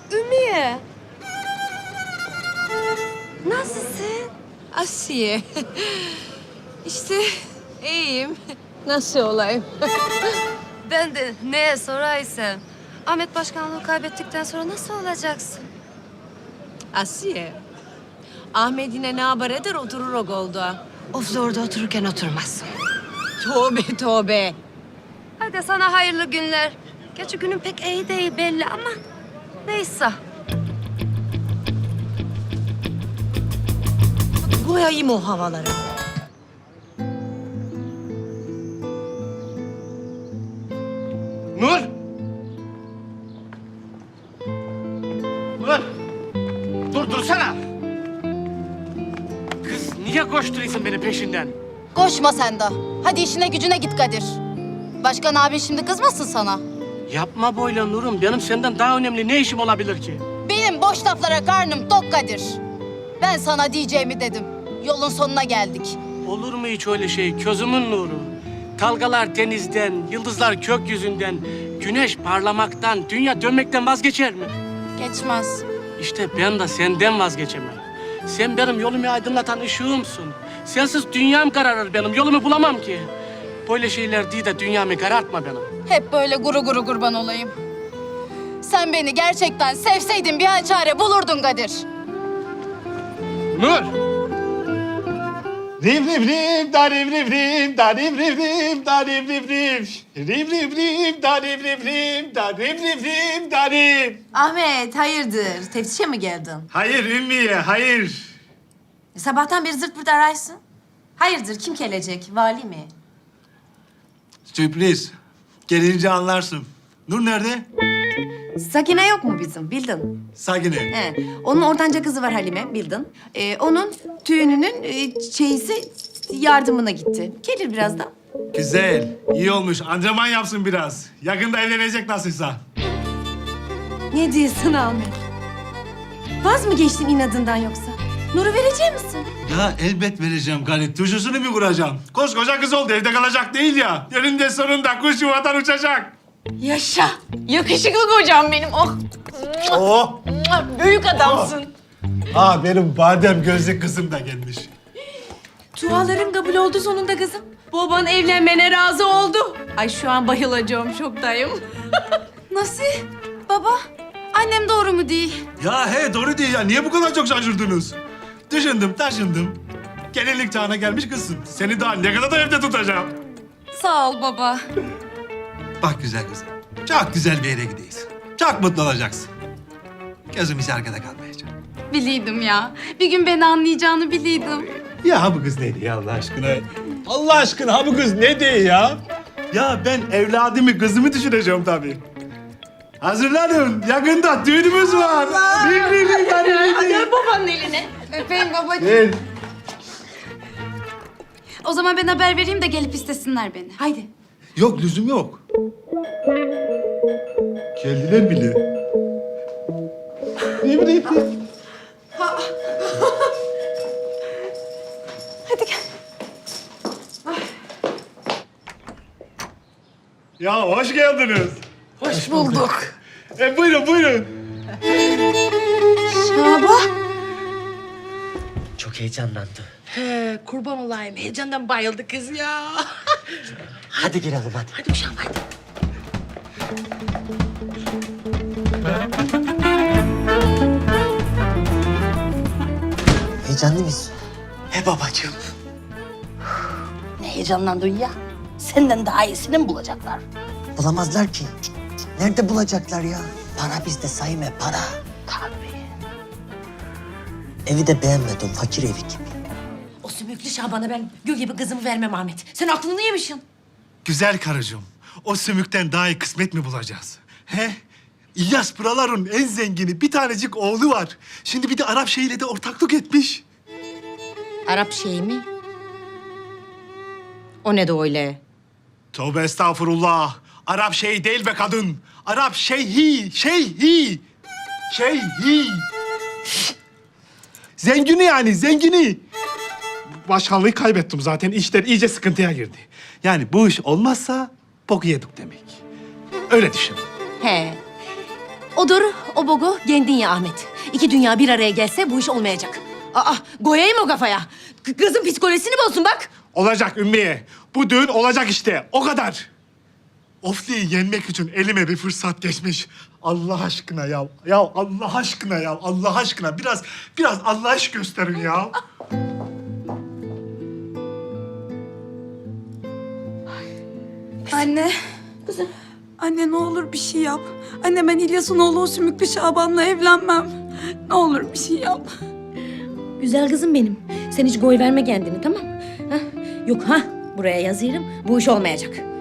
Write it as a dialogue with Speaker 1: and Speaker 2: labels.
Speaker 1: Ümiye. Nasılsın?
Speaker 2: Asiye. İşte iyiyim. Nasıl olayım?
Speaker 1: Ben de neye soraysam. Ahmet başkanlığı kaybettikten sonra nasıl olacaksın?
Speaker 2: Asiye. Ahmet yine ne haber eder oturur o golda.
Speaker 1: Of orada otururken oturmazsın.
Speaker 2: Tövbe tövbe.
Speaker 1: Hadi sana hayırlı günler. Gerçi günün pek iyi değil belli ama neyse.
Speaker 2: Koyayım o havalara.
Speaker 3: Nur! Nur! Dursana! Kız niye koşturuyorsun beni peşinden?
Speaker 4: Koşma sen de. Hadi işine gücüne git Kadir. Başkan abin şimdi kızmasın sana.
Speaker 3: Yapma böyle Nur'um. Benim senden daha önemli ne işim olabilir ki?
Speaker 4: Benim boş laflara karnım tok Kadir. Ben sana diyeceğimi dedim. Yolun sonuna geldik.
Speaker 3: Olur mu hiç öyle şey? Közümün nuru. Dalgalar denizden, yıldızlar gökyüzünden, güneş parlamaktan, dünya dönmekten vazgeçer mi?
Speaker 4: Geçmez.
Speaker 3: İşte ben de senden vazgeçemem. Sen benim yolumu aydınlatan ışığımsın. Sensiz dünyam kararır benim, yolumu bulamam ki. Böyle şeyler değil de dünyamı karartma benim.
Speaker 4: Hep böyle guru guru kurban olayım. Sen beni gerçekten sevseydin bir hal çare bulurdun Kadir.
Speaker 3: Nur!
Speaker 5: Riv riv riv da riv riv riv da riv riv riv da riv riv riv. Riv riv riv da riv riv riv da riv riv riv da riv.
Speaker 6: Ahmet, hayırdır? Teftişe mi geldin?
Speaker 5: Hayır Ümmiye, hayır.
Speaker 6: Sabahtan beri zırt pırt araysın. Hayırdır, kim gelecek? Vali mi?
Speaker 5: Sürpriz. Gelince anlarsın. Nur nerede?
Speaker 6: Sakine yok mu bizim, bildin?
Speaker 5: Sagine.
Speaker 6: He. Onun ortanca kızı var Halime, bildin. Onun düğününün çeyizi yardımına gitti. Gelir birazdan.
Speaker 5: Güzel, iyi olmuş. Antrenman yapsın biraz. Yakında evlenecek nasılsa.
Speaker 6: Ne diyorsun Ahmet? Vaz mı geçtin inadından yoksa? Nur'u verecek misin?
Speaker 5: Ya elbet vereceğim Galit. Tuşusunu mu kuracağım? Koskoca kız oldu, evde kalacak değil ya. Önünde sonunda kuş yuvadan uçacak.
Speaker 2: Yaşa. Yakışıklı kocam benim. Oh.
Speaker 5: Oh!
Speaker 2: Büyük adamsın.
Speaker 5: Aa, benim badem gözlü kızım da gelmiş.
Speaker 1: Duaların kabul oldu sonunda kızım. Baban evlenmene razı oldu. Ay şu an bayılacağım şoktayım.
Speaker 4: Nasıl? Baba, annem doğru mu değil?
Speaker 5: Ya he, doğru değil ya. Niye bu kadar çok şaşırdınız? Düşündüm, taşındım. Gelinlik çağına gelmiş kızsın. Seni daha ne kadar da evde tutacağım.
Speaker 4: Sağ ol baba.
Speaker 5: Bak güzel kızım. Çok güzel bir yere gideyiz. Çok mutlu olacaksın. Gözüm hiç arkada kalmayacak.
Speaker 4: Biliydim ya. Bir gün beni anlayacağını biliydim.
Speaker 5: Ya ha bu kız neydi ya Allah aşkına? Allah aşkına ha bu kız ne diyor ya? Ya ben evladımı, kızımı düşüneceğim tabii. Hazırlanın. Yakında düğünümüz var.
Speaker 2: Gel babanın eline.
Speaker 4: Öpeyim babacığım.
Speaker 5: Gel.
Speaker 4: O zaman ben haber vereyim de gelip istesinler beni.
Speaker 6: Haydi.
Speaker 5: Yok lüzum yok. Geldiler bile. Ne bileyim.
Speaker 6: Hadi gel.
Speaker 5: Ya hoş geldiniz.
Speaker 2: Hoş bulduk.
Speaker 5: Buyurun buyurun.
Speaker 7: Çok heyecanlandı.
Speaker 2: He, kurban olayım. Heyecandan bayıldı kız ya.
Speaker 7: Hadi girelim hadi.
Speaker 2: Hadi uşağım hadi.
Speaker 7: Heyecanlı mısın? He babacığım.
Speaker 8: Ne heyecanlandın ya? Senden daha iyisini mi bulacaklar?
Speaker 7: Bulamazlar ki. Nerede bulacaklar ya? Para bizde Sayme, para.
Speaker 8: Tabii.
Speaker 7: Evi de beğenmedim, fakir evi gibi.
Speaker 8: O sümüklü Şaban'a ben gül gibi kızımı vermem Ahmet. Sen aklını yemişsin.
Speaker 5: Güzel karıcığım. O sümükten daha iyi kısmet mi bulacağız? He? İlyas buraların en zengini bir tanecik oğlu var. Şimdi bir de Arap şeyiyle de ortaklık etmiş.
Speaker 8: Arap şeyi mi? O ne de öyle?
Speaker 5: Tövbe estağfurullah. Arap şey değil be kadın. Arap şeyhi, şeyhi. Şeyhi. Zengini yani, zengini. Başkanlığı kaybettim zaten. İşler iyice sıkıntıya girdi. Yani bu iş olmazsa boku yedik demek. Öyle düşün.
Speaker 8: He.
Speaker 2: Odur, o bogu kendin ya Ahmet. İki dünya bir araya gelse bu iş olmayacak. Aa, koyayım o kafaya. Kızın psikolojisini bozsun bak.
Speaker 5: Olacak Ümmiye. Bu düğün olacak işte. O kadar. Ofli'yi yenmek için elime bir fırsat geçmiş. Allah aşkına ya. Ya Allah aşkına ya. Allah aşkına. Biraz Allah aşk gösterin ya.
Speaker 9: Anne. Kızım. Anne ne olur bir şey yap. Anne ben İlyas'ın oğlu o Sümüklü Şaban'la evlenmem. Ne olur bir şey yap.
Speaker 2: Güzel kızım benim. Sen hiç koy verme kendini, tamam mı? Yok ha, buraya yazıyorum. Bu iş olmayacak.